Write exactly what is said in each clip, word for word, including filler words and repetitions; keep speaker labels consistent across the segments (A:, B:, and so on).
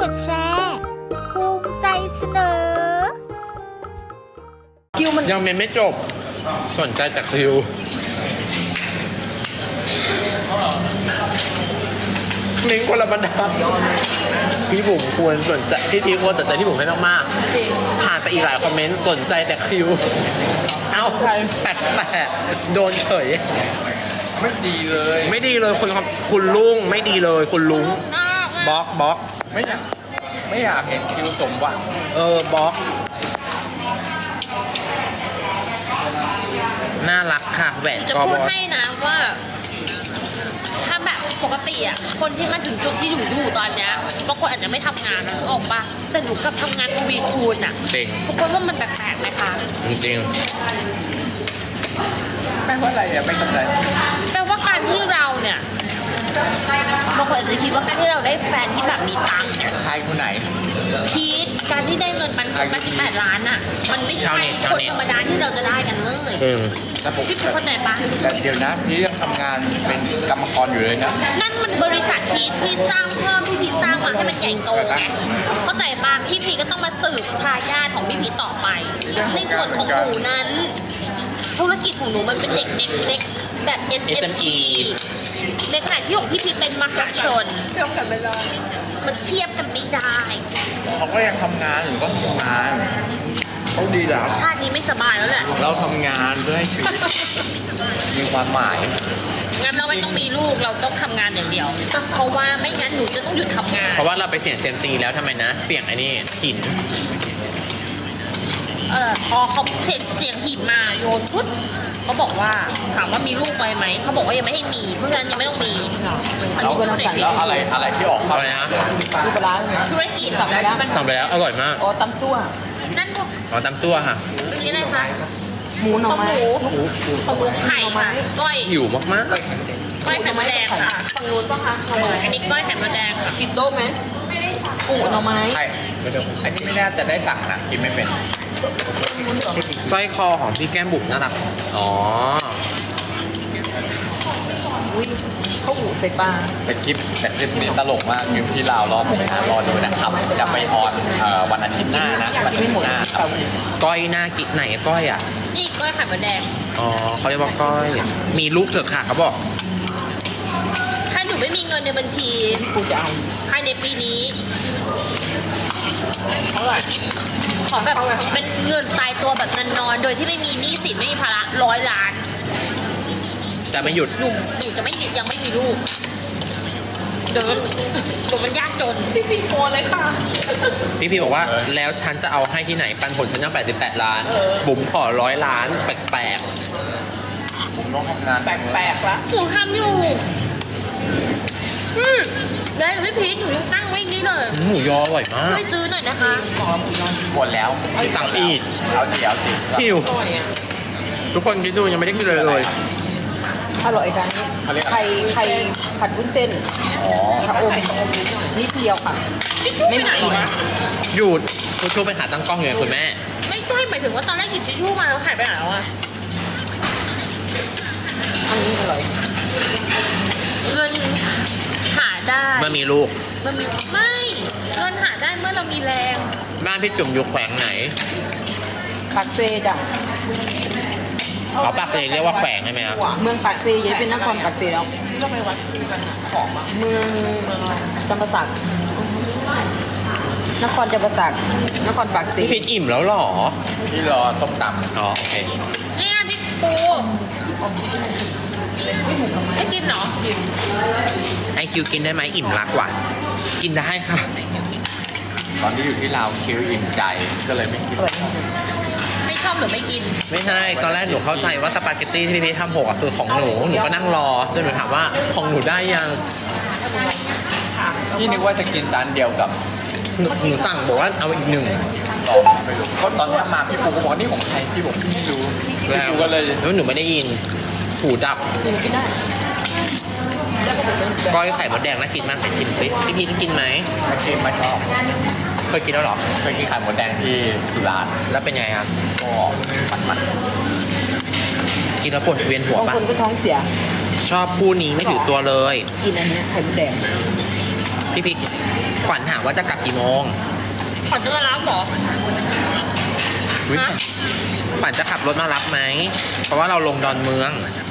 A: ดแชร์ภูมิใจเสนอ
B: คิวมัน
C: ยังไม่จบสนใจจากคิวลิงก์คนละบรรทัดพี่บุ๋มควรสนใจพี่ทีควรสนใจพี่บุ๋มให้มากๆผ่านไปอีกหลายคอมเมนต์สนใจแต่คิวเอ้าแปลกๆโดนเฉย
D: ไม่ดีเลย
C: ไม่ดีเลยคุณคุณลุงไม่ดีเลยคุณลุงบล็อกบล็อก
D: ไม่อยากไม่อยากเห็นคิวสมหวัง
C: เออบล็อกน่ารักค่ะแหวน
B: จะพูดให้นะว่าถ้าแบบปกติอ่ะคนที่มาถึงจุดที่หนูอยู่ตอนเนี้ยบางคนอาจจะไม่ทำงานนะออกปะแต่หนูกลับทำงานทวีคูณอ่ะ
C: จริง
B: ทุกคนว่ามันแปลกๆไหมคะ
C: จริง
D: แปลว่าอะไรอ่ะไม่เข้าใจ
B: แปลว่าการที่เราเนี่ยบางคนอาจจะคิดว่าการที่เราได้แฟนที่แบบมีตังค์เนี่ย
D: ใครคนไหน
B: พีทการที่ได้เงินปันผลมาสิบแปดล้านอ่ะมันไม่ใช่คนธรรมดาที่เราจะได้กันเลยพี่เข้าใจปะ
D: แต่เดี๋ยวนะพี่ยังทำงานเป็นกรรมกรอยู่เลยนะ
B: นั่นมันบริษัทพีทพี่สร้างเพิ่มพี่พีทสร้างมาให้มันใหญ่โตไงเข้าใจปะพี่พีทก็ต้องมาสืบทายาทของพี่พีทต่อไปในส่วนของหนูนั้นธุรกิจของหนูมันเป็นเด็กเด็กเล็กแบบ เอส เอ็ม อี ในขณะที่ของพี่พีทเป็นมหาชนเทียบกันไม่ได้มันเทียบกันไม่ได้
D: เขาก็ยังทำงานอยู่ก็ทำงานเขาดีแล้ว
B: ชาตินี้ไม่สบายแล้วแหละ
D: เราทำงานเพื่อให้ชีวิตมีความหมาย
B: งั้นเราไม่ต้องมีลูกเราต้องทำงานอย่างเดียวเพราะว่าไม่งั้นหนูจะต้องหยุดทำงาน
C: เพราะว่าเราไปเสี่ยงเซมซีแล้วทำไมนะเสี่ยงไอ้นี่หิน
B: เออพอเขาเสียงเสียงหินมาโยนพุทธเขาบอกว่าถามว่ามีลูกไปไหมเขาบอกว่ายังไม่ให้มีเพราะฉะนั้นยังไม่ต้องมี
D: อันนี้ก็สั่งแล้วอะไรอะไรที่ออก
C: อะไรนะ
B: ดูปลาธุรกิจ
C: ทำไปแล้วทำไปแล้วอร่อยมาก
B: อ๋อตำซั่วนั่นพวก
C: อ๋อตำซั่วค่ะ
B: อันนี้อะไรคะ
E: หมูหน่อไม้
B: ของหมูของหมูไข่ค่ะก้อย
C: หิวมากมาก
B: ก้อยไข่มดแดงค่ะฝั่งนู้นป่ะคะอันนี้ก้อยไข่มดแดงค่ะ
E: กินโต๊ะไหมไม่ได้ปูหน่อไม้
D: ใช่อันนี้ไม่น่าจะได้สั่งนะกินไม่เป็น
C: สร้อยคอของพี่แก้มบุ๋มน่ารักอ๋อ
E: อุ้ยข้าวหมูใส่ปลา
D: แต่คลิปแต่คลิปนี้ตลกมากคลิปที่เรารอไปหารอดูนะครับจะไปออนวันอาทิตย์หน้านะวันอาทิตย์หน้า
C: ก้อยหน้ากิไหนก้อยอ่ะ
B: นี่ก้อยไข่มดแดง
C: อ๋อเขาเรียกว่าก้อยมีลูกเถอะค่ะเขาบอก
B: ถ้าหนูไม่มีเงินในบัญชี
E: กูจะเอา
B: ภายในปีนี้เท่าไหร่ขอแบบเป็นเงินตายตัวแบบเงินนอนโดยที่ไม่มีหนี้สินไม่มีภาระร้อยล้าน
C: จะไม่หยุด
B: หนูหนูจะไม่ยังไม่มีลูกเดินหนูมันยากจน
E: พี่พีโอนเลยค่ะ
C: พี่พีบอกว่าแล้วฉันจะเอาให้ที่ไหนปันผลฉันยังแปดสิบแปดล้านบุ๋มขอร้อยล้านแปลก
D: ๆผมต้องทำงาน
E: แปลกๆละ
B: หนูทำอยู่ได้พี่พีชหนูยังตั้งไว้นี่เลย
C: หมูยออร่อยมาก
B: ช่วยซื้อหน่อยนะคะ
D: หมดแล้ว
C: สั่งอีก
D: เอาเดี๋ยวสิ
C: หิวทุกคนคิดดูยังไม่ได้กินเลยเลย
E: อร่อยจังไข่ไข่ผัดวุ้นเส้น
D: อ๋อ
E: ชะอมนิดเดียวค่ะ
B: ไม่ไหนนะ
C: หยุดคุณชูไปหาตั้งกล้องอยู่ไงคุณแม่
B: ไม่ใช่หมายถึงว่าตอนแรกหยิบทิชชู่มาแล้วหายไปไหนแล้วอะ
E: อันนี้อร่อย
B: เงินหาได้
C: เมื่อมีลูก
B: มันมีไม่เงินหาได้เมื่อเรามีแรง
C: บ้านพี่จุ๋มอยู่แขวงไหน
E: ปากเซจ้ะ
C: เขาปากเซเรียกว่าแขวงใช่ไหมครับ
E: เมืองปากเซยังเป็นนครปากเซแล้วก็ไปวัดของเมืองจำปาสักนครจำปาสักนครปากเซ
C: พี่พิดอิ่มแล้วหรอ
D: ที่รอต้มต
C: ำอ๋อโอเค
B: นี่ไงพี่ปูไม่กินเหรอกิน
C: ไอคิวกินได้ไหมอิ่มรักว่ะกินได้ค่ะ
D: ตอนที่อยู่ที่ลาวคิวอิ่มใจก็เลยไม่กิน
B: ไม่ชอบหรือไม่กิน
C: ไม่ใช่ตอนแรกหนูเข้าใจว่าสปาเกตตี้ที่พี่พีททำหกคือของหนูหนูก็นั่งรอจนหนูถามว่าของหนูได้ยัง
D: นี่นึกว่าจะกินจานเดียวกับ
C: หนูหนูสั่งบอกว่าเอาอีกหนึ่ง
D: ลองไปดูเพราะตอนที่มาพี่ปูก็บอกนี่ของใครพี่บอกไม่รู้
C: แล้ว
D: ก็เลย
C: แล้วหนูไม่ได้ยินหูดับก้อยไข่มดแดงน่ากินมากไปชิมซิพี่พีทกินไหม
D: ไม่กินไม่ชอบ
C: เคยกินแล้วหรอ
D: เคยกินไข่มดแดงที่สุราษฎร์
C: แล้วเป็นไงครับ
D: ก็มันมัน
C: กินแล้วปวดเวียนหัวป่ะ
E: บางคนก็ท้องเสีย
C: ชอบคู่นี้ไม่ถือตัวเลย
E: กินอันนี้ไข่มดแดง
C: พี่พีขวัญถามว่าจะกลับกี่โมง
B: ขอจะมารับเหรอ
C: อุ๊ย
B: ฮะ
C: ขวัญจะขับรถมารับไหม เพราะว่าเราลงดอนเมือง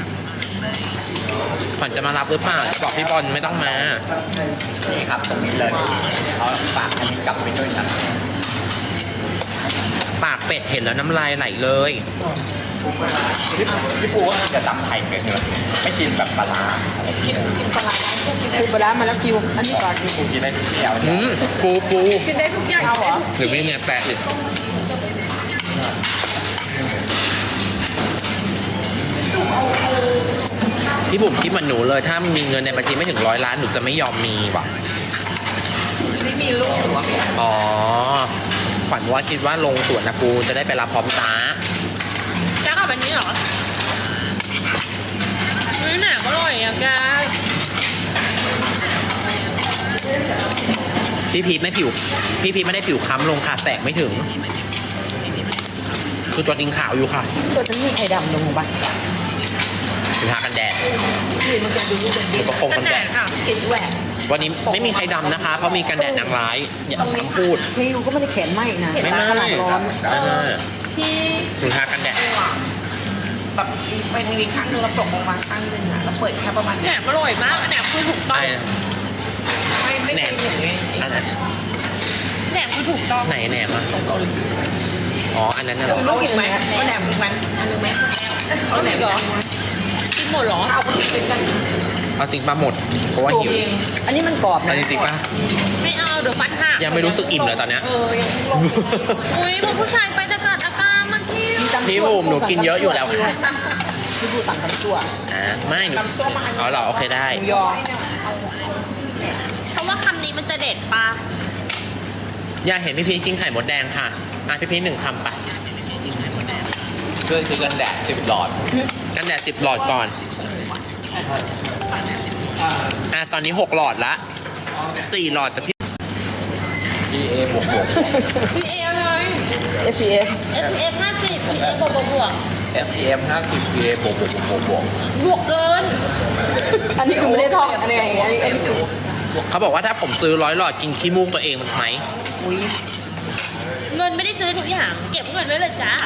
C: ขวัญจะมารับหรือเปล่าบอกพี่บอลไม่ต้องมา
D: นี่ครับตรงนี้เลยเอาฝากอันนี้กลับไปด้วยนะ
C: ปากเป็ดเห็นแล้วน้ำลายไหลเลย
D: พี่พี่ปูก็จะตำไข่เป็นเนื้อไม่กินแบบปลาร้าอะไรกิน
E: ปลาร้าคือปลาร้ามาแล้วคิว อันนี้ก่อน
D: พี่ปูกินได้ทุกแนว
C: อื
D: เนี่ย
C: มปูปู
E: กินได้ทุกอย่างเอาเหรอ
C: หรือไม่เนี่ยแปะดิพี่บุ๋มคิดเหมือนหนูเลย ถ้ามีเงินในบัญชีไม่ถึงร้อยล้านหนูจะไม่ยอมมีว่ะ
E: ไม่มีลูกหรือว่า
C: อ๋อ ขวัญว่าคิดว่าลงสวนนะปูจะได้ไปรับพร้อมตา
B: จ้ากลับแบบนี้เหรอเฮ้ยหนักอร่อยอ่ะแก
C: พี่พีทไม่ผิว พี่พีทไม่ได้ผิวค้ำลงค่ะแสงไม่ถึง คือตัวจริงขาวอยู่ค่ะ
E: ตัวฉันมีไข่ดำลงบ้าง
C: ถึงทากันแดด
E: นี่มันจะดูเป็น
C: หรือประคง
B: กั
C: กัน น
B: แด
C: แด
B: ด
C: ด
B: ค่ะ
E: กินแหวก
C: วันนี้ไม่มีใครดำนะคะ เพราะมีกันแดดนางร้าย อย่าทำพูด
E: คิวก็ไม่ได้แขนไหมนะ
C: ไม่ไม่
E: ขนาดร้อน
C: ไม่ไม่
E: ที่
C: ถึงทากันแดด
E: แบบไปทางนี้ข้างนึงแล้วตกลงมาข้างนึงอ่ะแล้วเปิดแค่ประมาณ
B: แหนมอร่อยมากแหนมคือถูกต้อง
C: ไอ้
E: ไม่ไม่เคยเห็นไง
C: อันนั้น
B: แหนมคือถูกต้อง
C: ไหนแหนมอ่ะอ๋อ อันนั้นน่ะเหรอ
E: ต้องกินไหมเอาแหนมอีกไหมอันนึงไหม
B: เอาไหนเหรอกินหมดเหรอ
E: เอาไปกินกัน
C: เอาจริงปะหมด เพราะว่าหิว
E: อันนี้มันกรอบ
C: อั
E: นะ
C: นนี้จริงปะ
B: ไม่เอาเดี๋ยวฟันหัก
C: ยังไม่รู้สึกอิ่มเลยตอนเนี้ย
E: เออยังลง
B: อุ้ยพวกผู้ชายไปตะกัดอาการมันที่
C: พี่บุ๋มหนูกินเยอะอยู่แล้วค่ะ
E: พี่บูสั่งทำตัว
C: อ่าไม่หนูเอาเหรอโอเคได้
E: หมูยอ
B: เพราะว่าคำนี้มันจะเด็ดปะ
C: อยากเห็นพี่พีชกินไข่มดแดงค่ะอ่ะพี่พีชหนึ่งคำไป
D: เพื่อนคือกันแดดสิบหลอด
C: กันแดดสิบหลอดก่อน อ่ะตอนนี้หกหลอดละสี่หลอดจะพี่
D: พีเอบวกบวก
B: พีเอเลย
E: เอฟพีเอฟ
B: เอฟเอฟห้าสิบพีเอบวกบวกบวก
D: เอฟเอ็มห้าสิบพีเอบวกบวกบวกบวก
B: บวกเกิน
E: อันนี้คือไม่ได้ท่องอันนี้อันนี้อันนี้คือ
C: เขาบอกว่าถ้าผมซื้อร้อยหลอดกินขี้มูกตัวเองมันไหม
E: อุ้ย
B: เงินไม่ได้ซื้อทุกอย่าง เก็บเงินไว้เลยจ้า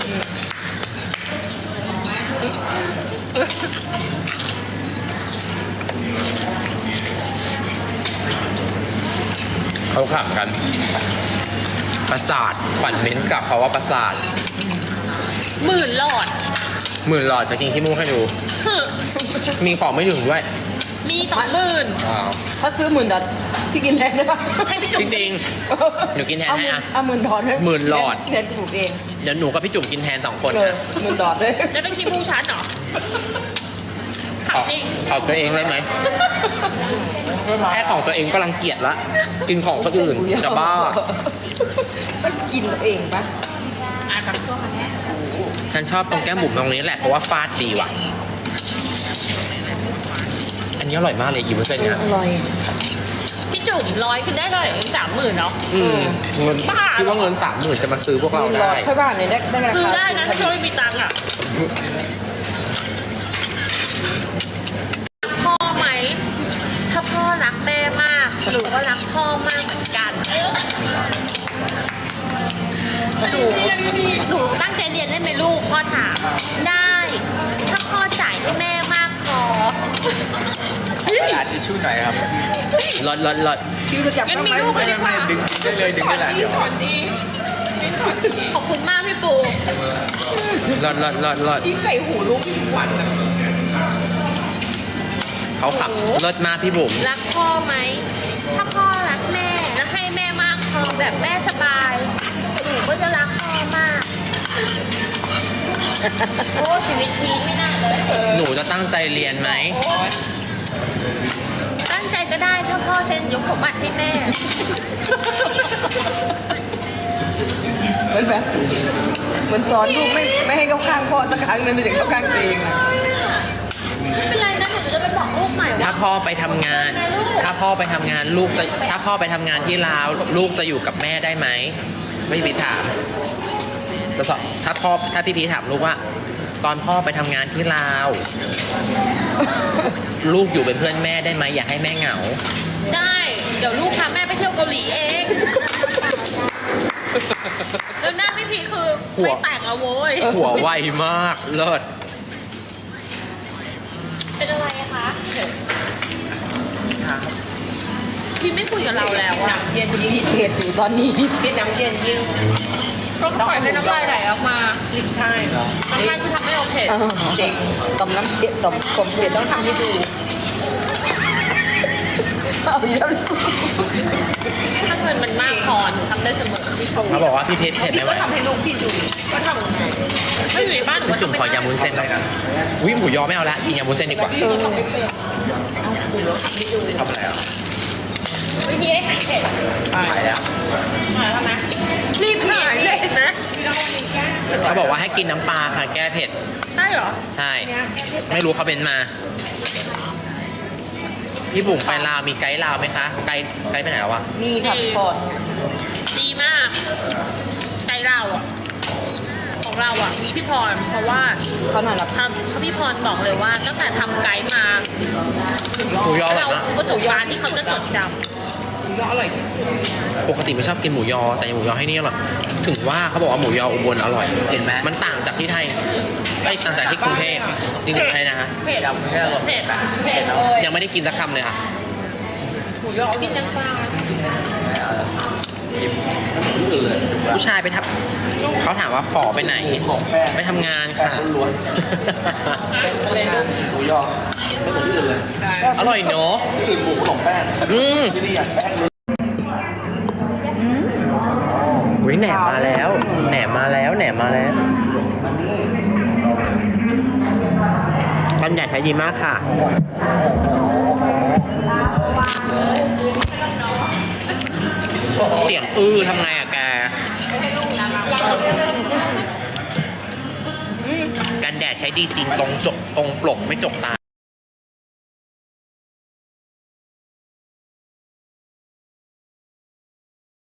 C: เขาขำกัน ประสาทขวัญเม้นกลับเขาว่าประสาท
B: หมื่นหลอด
C: หมื่นหลอดจะกินขี้มูกให้ดู มีของไม่ถึงด้วย
B: มีสองหมื่น
C: ว้าว
E: ถ้าซื้อหมื่นดอทพี่กินแทนได้ปะ
B: ให้พี่จุ๋
C: จ
B: ม
C: ริง หนูกินแทนให้อะ
E: เอาหมื่นดอท
C: หมื่นหลอด
E: แทนถูกเอง
C: ๆ เดี๋ยวหนูกับพี่จุ๋มกินแทนสองคน
E: เลย
C: นะ
E: หมื่นดอทเลย
B: จะเป็นคีมูชันเหรอ
C: ขอ
B: จริง
C: ขอตัวเองได้ไหม แค่ของตัวเองก็รังเกียจละ กินของคนอื่นจะบ้า
E: ต้องกินตัวเองปะอ่ะกับส้มอันนี้
C: ฉันชอบตรงแก้มบุ๋มตรงนี้แหละ เพราะว่าฟาดดีว่ะ อันนี้อร่อยมากเลยอีเวอร์เซนเนี่ย
E: อร่อย
B: พี่จุ๋มร้อยคือได้เท่าไหร่สามหมื่นเนาะ
C: อืมเงิน
B: บ้า
C: คิดว่าเงินสามหมื่นจะมาซื้อพวกเรา
E: หมื่นดอ
C: ได้
E: ทค่อยบ้านเนี่ยได้ได้ราคา
B: ซื้อได้นะถ้าเราไม่มีตังค์อ่ะ พ่อไหม ถ้าพ่อรักแม่มาก หนูก็รักพ่อมากเหมือนกัน หนู หนูตั้งใจเรียนได้ไหมลูก พ่อถาม ได้ ถ้าพ่อจ่ายให้แม่มากพอ
D: กระดาษทิชชู่หน่อยครับ
C: ลดลดลด
E: คิวจะจับ
B: งั้น
E: ต้อง
B: มี
E: ไหม
B: ลูกก็ดีกว่า
D: ดึงได้เลยดึงได้เลยเดี๋ยว
B: ขอบคุณมากพี่ปู
C: ลดลดลดลด
E: ที่ใส่หูลูกทุกวันอะ
C: เขาขับลดมากพี่บุ๋ม
B: รักพ่อไหม ถ้าพ่อรักแม่ แล้วให้แม่มากพอแบบแม่สบาย หนูก็จะรักพ่อมาก โอ้ชีวิตพีไม่น่าเลย
C: หนูจะตั้งใจเรียนไหม
B: ตั้งใจก็ได้ถ้าพ่อเซ็นยกสมบัติให้แม่
E: เหมือนแบบเหมือนสอนลูกไม่ไม่ให้เข้าข้างพ่อสักครั้งนึงไม่ถึงเข้าข้างตัวเองอะ
B: ไม่เป็นไรนะหนูจะไปบอกลูกใหม่
C: ถ้า
B: ว่า
C: พ่อไปทำงาน ถ้าพ่อไปทำงานลูกจะ ถ้าพ่อไปทำงานที่ลาว ลูกจะอยู่กับแม่ได้ไหม ไม่พี่ถาม จะสอบถ้าพ่อ ถ้าพี่พีถามลูกว่าตอนพ่อไปทำงานที่ลาว ลูกอยู่เป็นเพื่อนแม่ได้ไหมอย่าให้แม่เหงา
B: ได้ เดี๋ยวลูกพาแม่ไปเที่ยวเกาหลีเองแล้วหน้าพี่พีคือ
C: หัว
B: ไม่แตกแล้วโว้ย
C: หัวไวมากเลิศ
B: เป็นอะไรอะคะพี่ไม่คุยกับเราแล้วอะ
E: เย็นยิ่งเผ็ดอยู่ตอนนี้พี่น้ำเย็นยิ่ง
B: ก็ปล่อยให้น้ำลายไหลออกมา
E: ใช่
B: น้ำลายคือทำให้เราเผ็ด
E: จริงต้มน้ำเผ็ดต้มต้มเผ็ดต้องทำให้ดูเอาเยอะ
B: ถ้าเงินมันมากพอหนูทำได้เสมอ
C: เขาบอกว่าพี่เพชรเผ็ด
E: พี่
C: ไม่ไหว
E: ก็ทำให้ลูกพี่ดูก็ทำยังไง
B: ถ้าอยู่ในบ้านหนูก็
C: จุ่ม
B: ทำไม่
C: ขอ
B: ได้
C: ยำวุ้นเส้นครับวิหมูยอไม่เอาละกินยำวุ้นเส้นดีกว่า
E: พี่ก็ทำไม่เป็น
D: ทำอะไรอ่ะ
B: วิธีให้หายเผ็ด
D: หายแล้ว
B: มาแล้วนะรีบหายเลยนะ
C: เขาบอกว่าให้กินน้ำปลาค่ะแก้เผ็ด
B: ได้เหรอ
C: ใช่ ไม่รู้เขาเป็นมา พี่บุ๋มไปลาวมีไกด์ลาวไหมคะ ไกด์ไกด์ไปไหนแล้ววะ
E: มีผัดพอด
B: ดีมาก ใจเราอ่ะ ของเราอ่ะพี่พรเพราะว่า
E: เขาหน่อยละ
B: ทำพี่พรบอกเลยว่าตั้งแต่ทำไกด์มา
C: หมูยออร่
B: เรา
C: อยมาก
B: ประสบการณ์ที่เขาจะจดจ
E: ก็อร่อยที่สุด
C: ปกติไม่ชอบกินหมูยอ แต่หมูยอให้นี่อร่อยถึงว่าเขาบอกว่าหมูยออุบลอร่อย
D: เห็นไหม
C: มันต่างจากที่ไทยไม่ต่างจากที่กรุงเทพจริงๆอะไรนะฮะ
B: ำเผ็ด
D: ยำไม่อร่อย
B: เผ็ด
D: แบบ
B: เผ็ด
C: ยังไม่ได้กินสักคำเลยค่ะ
E: หมูยอ
B: กินจังปลา
D: กินอื่นเลย
C: ผู้ชายไปทับเขาถามว่าฝอไปไหน ไปทำงานค่ะ
E: อะไรนะ
D: หมูยอไม่เหมือนที่อื่นเลย
C: อร่อยเนาะ
D: ที่อื่นหมูขนมแป้ง
C: อืม
D: ที่นี่อ่ะแป้งล้วน
C: วิแหนมมาแล้ว แหนมมาแล้ว แหนมมาแล้วบรรยากาศไทยดีมากค่ะ เสียงอื้อทำไงอะแก กันแดดใช้ดีจริงตรงจกตรงปลกไม่จกตา